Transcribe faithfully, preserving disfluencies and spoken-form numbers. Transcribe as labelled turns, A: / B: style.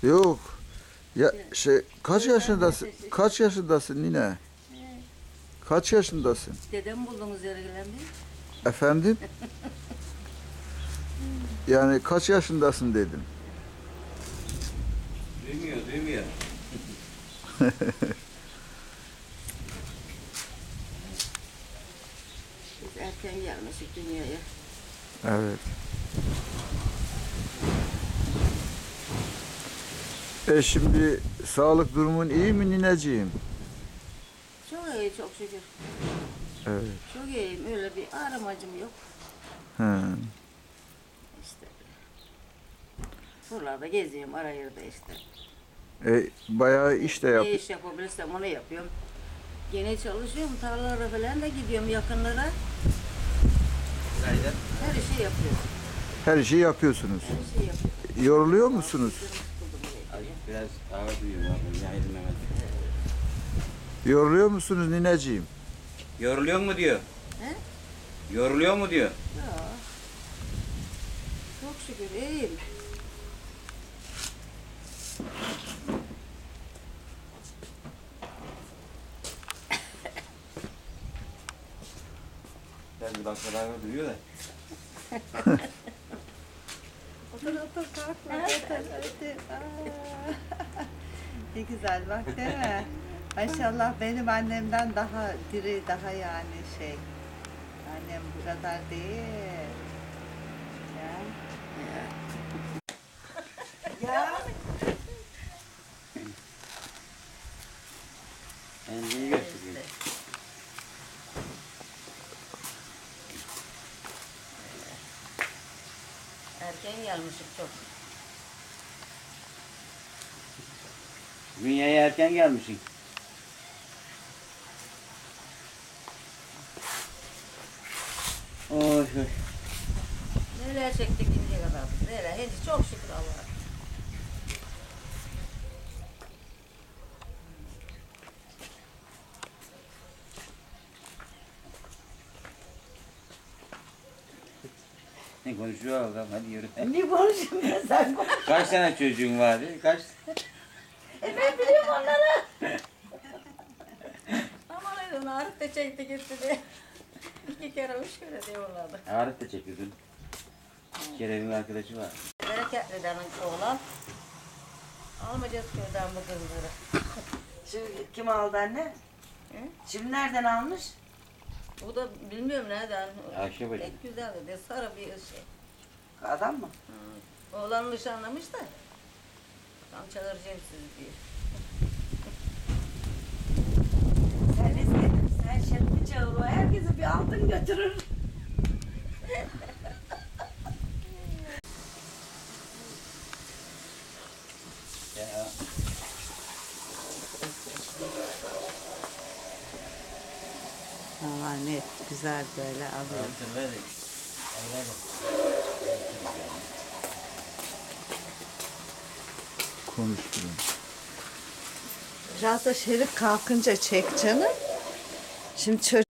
A: Yok. Ya şey kaç yaşındasın? Kaç yaşındasın nine? Kaç yaşındasın?
B: Dedem buldunuz yargılandı.
A: Efendim? Yani kaç yaşındasın dedim.
C: Duymuyor, duymuyor.
B: Biz erken gelmişik dünyaya.
A: Evet. E şimdi sağlık durumun iyi mi nineciğim?
B: Çok iyi, çok şükür.
A: Evet.
B: Çok iyiyim, öyle bir aramacım yok.
A: He.
B: İşte. Buralarda geziyorum, arayırda işte.
A: E, bayağı iş de yap.
B: Ne iş yapabilirsem onu yapıyorum. Gene çalışıyorum, tarlalara falan da gidiyorum yakınlara.
C: Günaydın.
B: Her işi yapıyorum.
A: Her şeyi yapıyorsunuz.
B: Her şeyi yapıyorum.
A: Yoruluyor musunuz?
C: Azıcık biraz ağır duyuyorum abi. Günaydın Mehmet.
A: Yoruluyor musunuz nineciğim?
C: Yoruluyor mu diyor.
B: He?
C: Yoruluyor mu diyor.
B: Ya. Çok şükür iyiyim.
C: Ben bir dakika ağır duyuyor da.
D: Otur otur kalkma otur otur. Aa. Ne güzel bak değil mi? Maşallah benim annemden daha diri, daha yani şey. Annem bu kadar değil. Ya. Ya.
C: Kendini gösteriyor.
B: Erken gelmişim çok.
C: Dünyaya erken gelmişsin. Oy oy.
B: Neler çektik şimdiye kadar. Neler, hadi çok şükür Allah'a.
C: Ne konuşuyor adam? Hadi yürü.
B: Ne konuşayım ben sen konuş.
C: Kaç tane çocuğun vardı? Kaç?
B: E ben biliyorum onları. Aman edin Arif de çekti gitti diye. İki kere üç kere diyorlardı.
C: Arif de çekiyordun. Kerem'in arkadaşı var.
B: Bereketli'den oğlan. Almayacağız köyden bu kızları.
E: Şimdi kim aldı anne?
B: Hı?
E: Şimdi nereden almış?
B: Bu da bilmiyorum nereden.
C: Ayşe bacı.
B: Pek güzel de sarı bir şey.
E: Adam mı?
B: Hı. Oğlan nişanlamış da. Tam çağıracağım sizi diye.
E: Sen ne istedin? Sen şerif'i çağır o herkese bir altın götürür.
C: Ya.
D: Valla net güzel böyle alıyorum.
C: Hatırladık.
A: Konuşturun.
D: Biraz da Şerif kalkınca çek canım. Şimdi çocuk